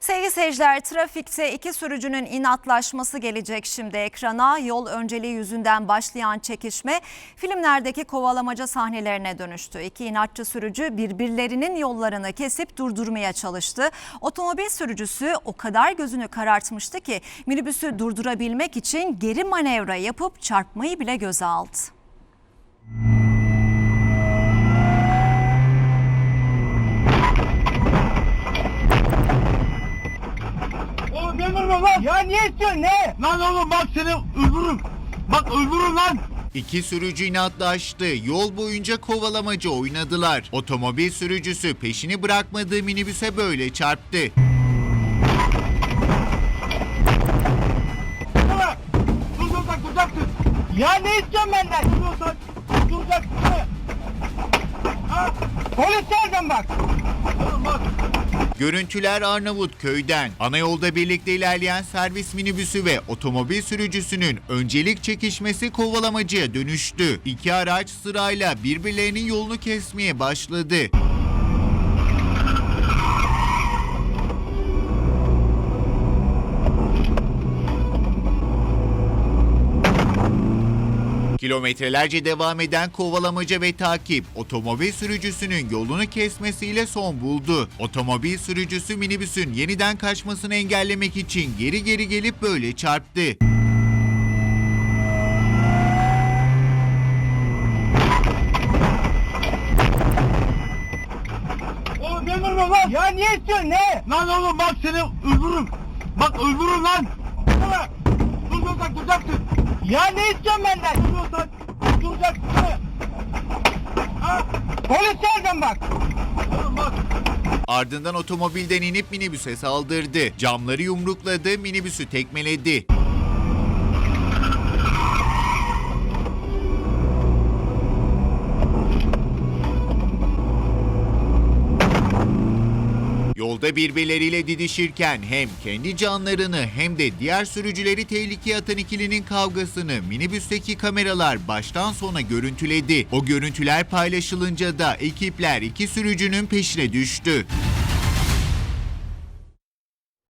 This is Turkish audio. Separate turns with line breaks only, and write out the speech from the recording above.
Sevgili seyirciler, trafikte iki sürücünün inatlaşması gelecek şimdi ekrana. Yol önceliği yüzünden başlayan çekişme filmlerdeki kovalamaca sahnelerine dönüştü. İki inatçı sürücü birbirlerinin yollarını kesip durdurmaya çalıştı. Otomobil sürücüsü o kadar gözünü karartmıştı ki minibüsü durdurabilmek için geri manevra yapıp çarpmayı bile göze aldı.
Oğlum ne vurma lan? Ya niye istiyorsun ne? Lan oğlum bak seni öldürürüm. Bak öldürürüm lan.
İki sürücü inatlaştı. Yol boyunca kovalamaca oynadılar. Otomobil sürücüsü peşini bırakmadığı minibüse böyle çarptı.
Duracaksın. Ya ne istiyorsun benden? Duracaksın. Ha? Polis nereden bak? Oğlum bak.
Görüntüler Arnavutköy'den. Ana yolda birlikte ilerleyen servis minibüsü ve otomobil sürücüsünün öncelik çekişmesi kovalamacaya dönüştü. İki araç sırayla birbirlerinin yolunu kesmeye başladı. Kilometrelerce devam eden kovalamaca ve takip otomobil sürücüsünün yolunu kesmesiyle son buldu. Otomobil sürücüsü minibüsün yeniden kaçmasını engellemek için geri gelip böyle çarptı.
Oğlum ne vurma lan? Ya niye istiyorsun ne? Lan oğlum bak seni öldürürüm. Bak öldürürüm lan. Duracaksın. Ya ne istiyorsun benden? Duracaksın. Ha? Polis nereden bak? Oğlum bak.
Ardından otomobilden inip minibüse saldırdı. Camları yumrukladı, minibüsü tekmeledi. Yolda birbirleriyle didişirken hem kendi canlarını hem de diğer sürücüleri tehlikeye atan ikilinin kavgasını minibüsteki kameralar baştan sona görüntüledi. O görüntüler paylaşılınca da ekipler iki sürücünün peşine düştü.